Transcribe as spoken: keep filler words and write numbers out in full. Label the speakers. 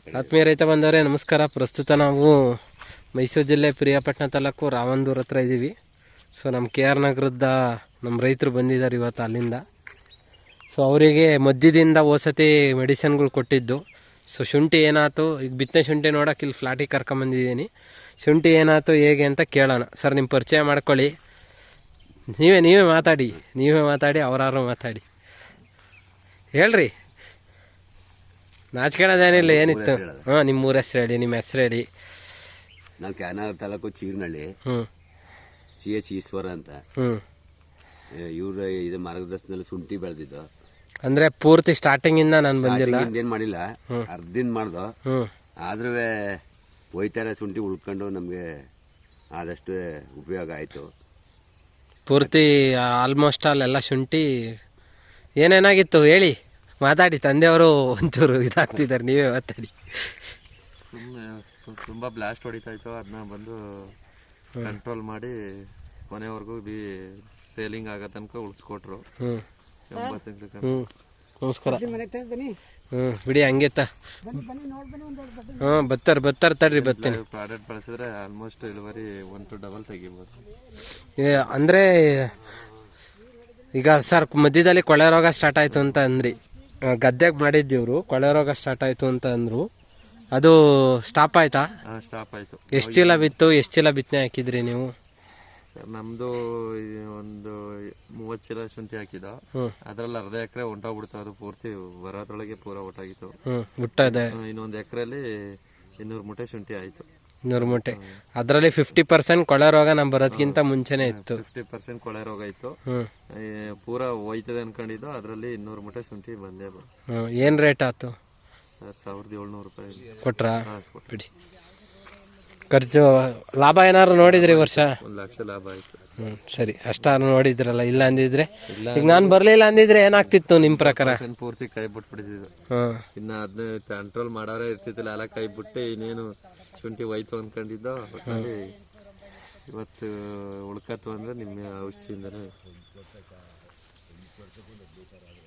Speaker 1: ಆತ್ಮೀಯ ರೈತ ಬಂದವರೇ ನಮಸ್ಕಾರ. ಪ್ರಸ್ತುತ ನಾವು ಮೈಸೂರು ಜಿಲ್ಲೆ ಪ್ರಿಯಾಪಟ್ಟಣ ತಾಲೂಕು ರಾವಂದೂರ್ ಹತ್ರ ಇದ್ದೀವಿ. ಸೊ ನಮ್ಮ ಕೆ ಆರ್ ನಗರದ ನಮ್ಮ ರೈತರು ಬಂದಿದ್ದಾರೆ ಇವತ್ತು ಅಲ್ಲಿಂದ. ಸೊ ಅವರಿಗೆ ಮಧ್ಯದಿಂದ ಓಸತಿ ಮೆಡಿಸಿನ್ಗಳು ಕೊಟ್ಟಿದ್ದು. ಸೊ ಶುಂಠಿ ಏನಾಯ್ತು, ಈಗ ಬಿತ್ತನೆ ಶುಂಠಿ ನೋಡೋಕೆ ಇಲ್ಲಿ ಫ್ಲಾಟಿಗೆ ಕರ್ಕೊಂಬಂದಿದ್ದೀನಿ. ಶುಂಠಿ ಏನಾಯ್ತು ಹೇಗೆ ಅಂತ ಕೇಳೋಣ. ಸರ್ ನಿಮ್ಮ ಪರಿಚಯ ಮಾಡ್ಕೊಳ್ಳಿ. ನೀವೇ ನೀವೇ ಮಾತಾಡಿ ನೀವೇ ಮಾತಾಡಿ ಅವರಾರು ಮಾತಾಡಿ ಹೇಳ್ರಿ. ನಾಚ್ಕೊಳ್ಳೋದೇನಿಲ್ಲ, ಏನಿತ್ತು? ಹಾಂ, ನಿಮ್ಮ ಊರ ಹೆಸ್ರು ಹೇಳಿ, ನಿಮ್ಮ ಹೆಸ್ರು ಹೇಳಿ.
Speaker 2: ನಾವು ಕ್ಯಾನರ್ ತಾಲೂಕು ಚೀರ್ನಳ್ಳಿ.
Speaker 1: ಹ್ಞೂ
Speaker 2: ಸಿ ಎಸ್ ಈಶ್ವರ ಅಂತ.
Speaker 1: ಹ್ಞೂ
Speaker 2: ಇವ್ರ ಇದು ಮಾರ್ಗದರ್ಶನದಲ್ಲಿ ಶುಂಠಿ ಬೆಳೆದಿದ್ದು.
Speaker 1: ಅಂದರೆ ಪೂರ್ತಿ ಸ್ಟಾರ್ಟಿಂಗಿಂದ ನಾನು ಬಂದಿಲ್ಲ,
Speaker 2: ಏನು ಮಾಡಿಲ್ಲ, ಅರ್ಧದಿಂದ ಮಾಡ್ದು.
Speaker 1: ಹ್ಞೂ
Speaker 2: ಆದ್ರೂ ಒಯ್ತಾರೆ ಶುಂಠಿ ಉಳ್ಕೊಂಡು ನಮಗೆ ಆದಷ್ಟು ಉಪಯೋಗ ಆಯಿತು.
Speaker 1: ಪೂರ್ತಿ ಆಲ್ಮೋಸ್ಟ್ ಅಲ್ಲೆಲ್ಲ ಶುಂಠಿ ಏನೇನಾಗಿತ್ತು ಹೇಳಿ, ಮಾತಾಡಿ. ತಂದೆಯವರು ಒಂಚೂರು ಇದಾಗ್ತಿದ್ದಾರೆ, ನೀವೇ ಮಾತಾಡಿ.
Speaker 3: ಸುಮ್ಮನೆ ತುಂಬ ಬ್ಲಾಸ್ಟ್ ಹೊಡಿತಾ ಇತ್ತು, ಅದನ್ನ ಬಂದು ಕಂಟ್ರೋಲ್ ಮಾಡಿ ಕೊನೆವರೆಗೂ ಬಿ ಸೇಲಿಂಗ್ ಆಗೋ ತನಕ ಉಳಿಸ್ಕೊಟ್ರು.
Speaker 1: ಹ್ಞೂ
Speaker 3: ಎಂಬತ್ತು
Speaker 1: ಹ್ಞೂ ನಮಸ್ಕಾರ. ಹ್ಞೂ ಬಿಡಿ ಹಂಗೆತ್ತ. ಹ್ಞೂ ಬತ್ತಾರೆ ಬತ್ತಾರೆ ತಡ್ರಿ ಬರ್ತೀನಿ.
Speaker 3: ಪ್ರಾಡಕ್ಟ್ ಬಳಸಿದ್ರೆ ಆಲ್ಮೋಸ್ಟ್ ಇಳುವರಿ ಒನ್ ಟು ಡಬಲ್ ತೆಗಿಬೋದು.
Speaker 1: ಅಂದರೆ ಈಗ ಸರ್ ಮಧ್ಯದಲ್ಲಿ ಕೊಳೆ ರೋಗ ಸ್ಟಾರ್ಟ್ ಆಯಿತು ಅಂತ ಅಂದ್ರಿ, ಗದ್ದೆಗೆ ಮಾಡಿದ್ದೀವ್ರು, ಕೊಳೆ ರೋಗ ಸ್ಟಾರ್ಟ್ ಆಯಿತು ಅಂತ ಅಂದರು. ಅದು ಸ್ಟಾಪ್ ಆಯ್ತಾ?
Speaker 3: ಸ್ಟಾಪ್ ಆಯಿತು.
Speaker 1: ಎಷ್ಟು ಚೀಲ ಬಿತ್ತು, ಎಷ್ಟು ಚೀಲ ಬಿತ್ತನೆ ಹಾಕಿದ್ರಿ ನೀವು?
Speaker 3: ಸರ್ ನಮ್ಮದು ಒಂದು ಮೂವತ್ತು ಚೀಲ ಶುಂಠಿ ಹಾಕಿದ,
Speaker 1: ಹ್ಞೂ
Speaker 3: ಅದರಲ್ಲಿ ಅರ್ಧ ಎಕರೆ ಹೊಂಟೋಗ್ಬಿಡ್ತು. ಅದು ಪೂರ್ತಿ ಬರೋದ್ರೊಳಗೆ ಪೂರ ಒಟ್ಟಾಗಿತ್ತು.
Speaker 1: ಹ್ಞೂ ಹುಟ್ಟದೆ
Speaker 3: ಇನ್ನೊಂದು ಎಕರೆಯಲ್ಲಿ ಇನ್ನೂರು ಮೂಟೆ ಶುಂಠಿ ಆಯಿತು.
Speaker 1: ಇನ್ನೂರು ಮೂಟೆ. ಅದರಲ್ಲಿ ಫಿಫ್ಟಿ ಪರ್ಸೆಂಟ್ ಕೊಳೆ ರೋಗ ನಮ್ಮ ಬರೋದಕ್ಕಿಂತ ಮುಂಚೆನೇ ಇತ್ತು.
Speaker 3: ಫಿಫ್ಟಿ ಪರ್ಸೆಂಟ್ ಕೊಳೆ ರೋಗ ಇತ್ತು.
Speaker 1: ಹ್ಞೂ
Speaker 3: ಪೂರ ಹೋಯ್ತದೆ ಅನ್ಕೊಂಡಿದ್ದು, ಅದರಲ್ಲಿ ಇನ್ನೂರು ಮೂಟೆ ಶುಂಠಿ ಬಂದೇ ಬ
Speaker 1: ಹ್ಞೂ ಏನು ರೇಟ್ ಆಯ್ತು
Speaker 3: ಸರ್? ಸಾವಿರದ ಏಳ್ನೂರು ರೂಪಾಯಿ
Speaker 1: ಕೊಟ್ರಾ? ಬಿಡಿ. ಖರ್ಚು ಲಾಭ ಏನಾದ್ರು ನೋಡಿದ್ರಿ ವರ್ಷ?
Speaker 3: ಒಂದು ಲಕ್ಷ ಲಾಭ ಆಯಿತು.
Speaker 1: ಹ್ಞೂ ಸರಿ, ಅಷ್ಟಾರು ನೋಡಿದ್ರಲ್ಲ. ಇಲ್ಲ ಅಂದಿದ್ರೆ, ಈಗ ನಾನು ಬರಲಿಲ್ಲ ಅಂದಿದ್ರೆ ಏನಾಗ್ತಿತ್ತು ನಿಮ್ಮ ಪ್ರಕಾರ?
Speaker 3: ಪೂರ್ತಿ ಕೈ ಬಿಟ್ಬಿಟ್ಟಿದ್ದು.
Speaker 1: ಹಾಂ,
Speaker 3: ಇನ್ನು ಅದನ್ನ ಕಂಟ್ರೋಲ್ ಮಾಡೋರೇ ಇರ್ತಿದ್ದಿಲ್ಲ, ಎಲ್ಲ ಕೈ ಬಿಟ್ಟು ಇನ್ನೇನು ಶುಂಠಿ ಹೋಯ್ತು ಅಂದ್ಕೊಂಡಿದ್ದೋ. ಒಟ್ಟಲ್ಲಿ ಇವತ್ತು ಉಳ್ಕತ್ತು ಅಂದರೆ ನಿಮ್ಮ ಔಷಧಿಯಿಂದನೇ.